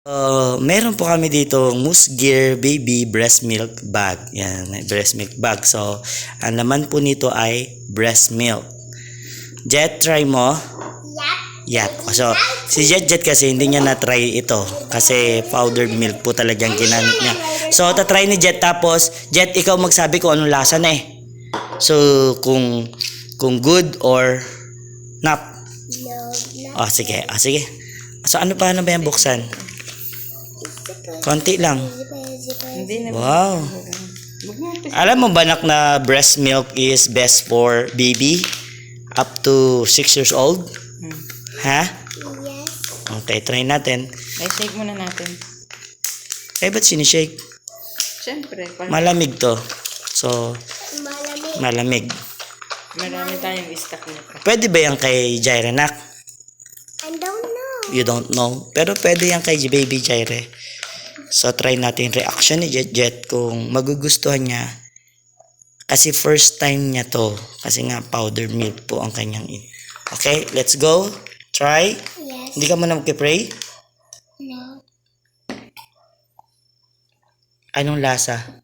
Meron po kami dito Moose Gear Baby Breast Milk Bag. Yan, may breast milk bag. So, ang laman po nito ay breast milk. Jet, try mo? Yap. So, si Jet kasi hindi niya na-try ito. Kasi powdered milk po talagang ginamit niya. So, tatry ni Jet. Tapos, Jet, ikaw magsabi kung anong lasa na eh. So, kung good or not. Oh, sige. Sige. So, ano ba yan buksan? Konti lang. Wow. Alam mo ba na breast milk is best for baby up to 6 years old? Ha? Yes. Okay, try natin. Ay, shake muna natin. Ba't sinishake? Siyempre, Malamig to. So, malamig. marami tayong stock nito. Pwede ba yan kay Jaire, nak? I don't know. You don't know. Pero pwede yan kay baby Jaire. So, try natin reaction ni Jet kung magugustuhan niya. Kasi first time niya to. Kasi nga, powdered milk po ang kanyang Okay, let's go. Try. Yes. Hindi ka muna magkipray? No. Anong lasa?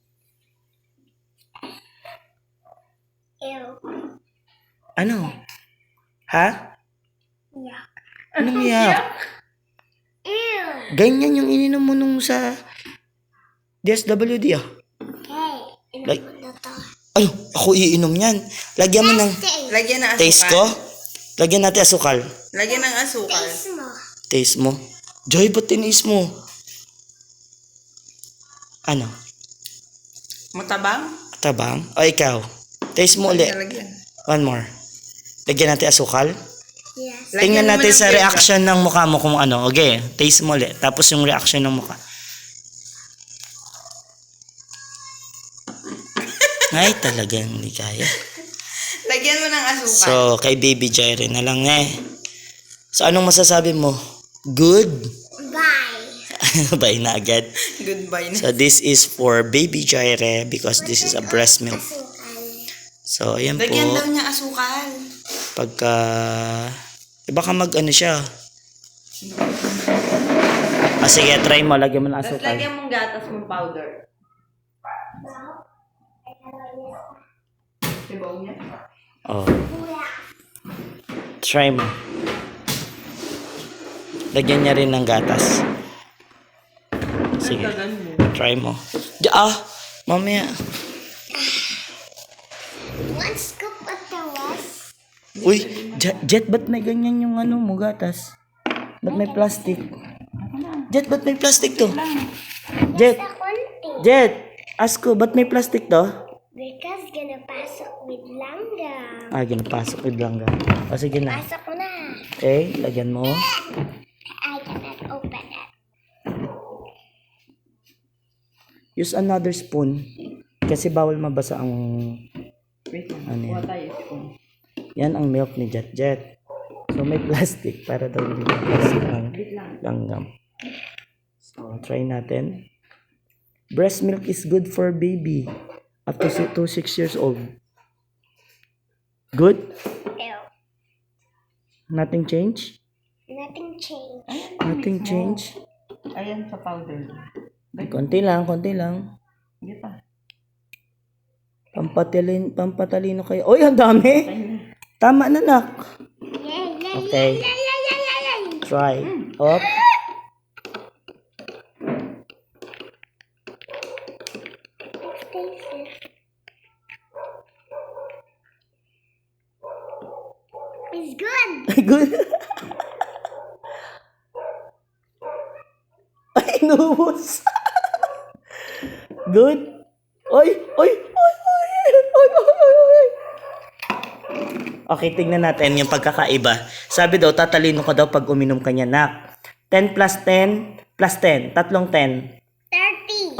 Ew. Ano? Ha? Yeah. Anong yak? Ew. Ganyan yung ininom mo nung sa DSWD ah. Okay. Like- Inom na to. Ay, ako iinom yan. Lagyan mo ng Lagyan ng asukal. taste ko. Lagyan natin asukal. Lagyan ng asukal. Taste mo. Taste mo. Joy, ba't tinis mo? Ano? Matabang? Tabang? O ikaw? Taste mo ulit. Lagyan. One more. Lagyan natin asukal. Yes. Tingnan Lagyan mo natin ng sa ketchup. reaction ng mukha mo kung ano. Okay, taste mo ulit. Tapos yung reaction ng mukha. Ay, talagang hindi kaya. Lagyan mo ng asukal. So, kay Baby Jaire na lang eh. So, anong masasabi mo? Good? Bye. Bye na agad. Goodbye na. So, this is for Baby Jaire because this is a breast milk. Asukal. So, ayan Lagyan daw po. niya asukal. Pagka... baka mag-ano siya. Sige, try mo. Lagyan mo ng Tapos asukal. lagyan mong gatas mong powder. Dibaw niya? Oh. Try mo. Lagyan niya rin ng gatas. Sige. Try mo. Mamaya. One scoop of the rest. Uy, Jet, ba't may ganyan yung ano mo, gatas? Ba't may plastic? Jet, ba't may plastic to? Jet, Sa konti. Jet, ask ko, ba't may plastic to? Because gonna pasok with langgam. Ginapasok with langga. O, sige na. Pasok ko na. Okay, lagyan mo. I cannot open it. Use another spoon. Kasi bawal mabasa ang... Wait lang. Ano yan? Kuha tayo spoon. Yan ang milk ni Jet Jet. So, may plastic para daw hindi mabasa ang langgam. So, try natin. Breast milk is good for baby. Up to 6 years old. Good? Ew. Nothing change? Nothing changed. Nothing change? Ayan sa powder. Konti lang, konti lang. Hindi pa. Pampatalino kayo. Oy, ang dami! Tama na, nak. Yay, yay, Okay. yay, yay, yay, yay, yay. Try. Up. Taste it. It's good. Good. Ay, inubos. Good. Oy, oy, oy, oy, oy, oy, oy, oy. Okay, tingnan natin yung pagkakaiba. Sabi daw, tatalino ka daw pag uminom ka niya, nak. 10 plus 10 plus 10. Tatlong 10. 30.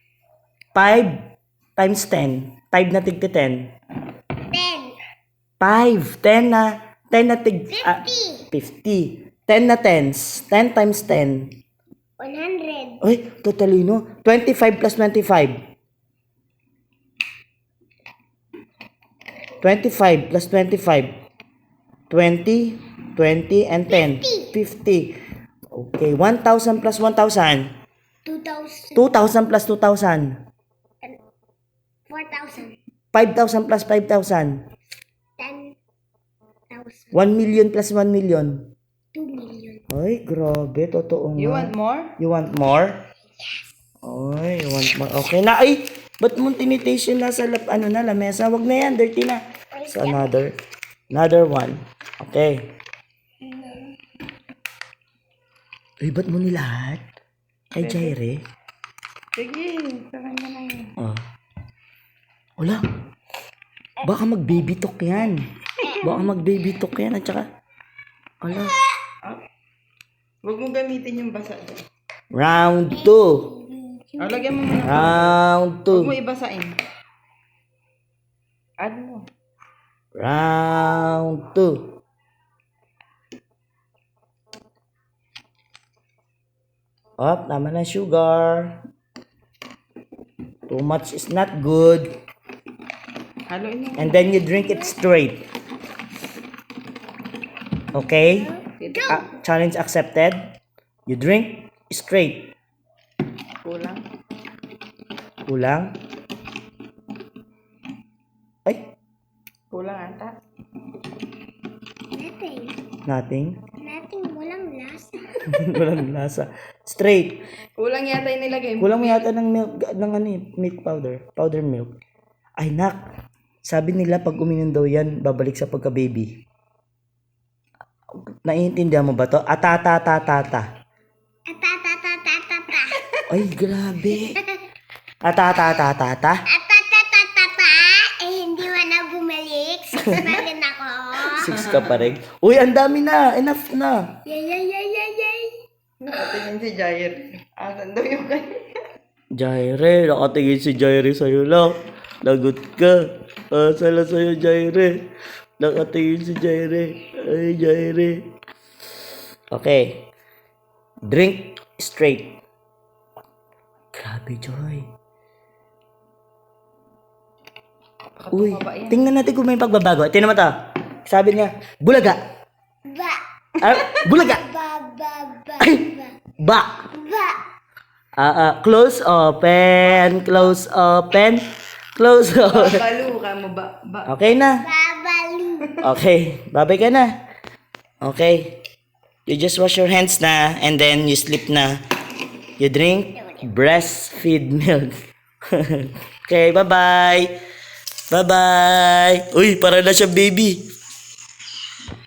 5 times 10. 5 na tigti 10. 10. 5. 10 na tig... 50. 50. 10 na tens. 10 times 10. 100. Ay, tatalino. 25 plus 25. 25 plus 25. 20, 20, and 10. 50. Okay, 1,000 plus 1,000. 2,000. 2,000 plus 2,000. 4,000. 5,000 plus 5,000. 10,000. 1 million plus 1 million. 2 million. Ay, grabe. Totoo nga. You want more? You want more? Yes. Ay, you want more. Okay na. Ay, ba't mo tinitation na sa lamesa? Wag na yan. Dirty na. So, another one. Okay. Ay, ba't mo nilahat? Kay Jaire? Sige, sa kanya na yun. Oh. Wala. Baka mag-baby talk yan. Baka mag-baby talk yan. At saka, wala. Huwag mo gamitin yung basa dyan. Round 2. Lagyan mo muna. Round Huwag mo 2. ibasain. Add mo. Round 2. Oh, tama na sugar. Too much is not good. Haluin mo. And then you drink it straight. Okay? Challenge accepted. You drink straight. Kulang. Kulang. Ay, Kulang ata. Nothing. nothing. Nothing. Walang lasa. Walang lasa. Straight. Kulang yata yung nilagay mo. Kulang mo yata ng milk, ng ano, milk powder. Powder milk. Ay, nak. Sabi nila pag uminom daw yan, babalik sa pagka-baby. Naiintindihan mo ba to? Atatatatata. Atatatatata. Ay, grabe. Atatatatata. Atatatatata. Hindi mo na bumalik. 6 na rin ako. 6 ka pa rin. Uy, ang dami na. Enough na. Yay. Nakatingin si Jair. Asan daw yung kanya? Jaire, nakatingin si Jaire sa'yo lang. Lagot ka. Asala sa'yo, Jaire. Nakatingin si Jaire. Ay, Jaire. Okay. Drink straight. Grabe, Joy. Uy, tingnan natin kung may pagbabago. Tingnan mo to. Sabi niya, bulaga. Ba. Ah, bulaga. Ba. Ba. Close, open. Close, open. Close, open. Balu ka mo ba? Okay na. Babalu. Okay, babay ka na. Okay. You just wash your hands na and then you sleep na. You drink breastfeed milk. Okay, bye-bye. Bye-bye. Uy, para na siya baby.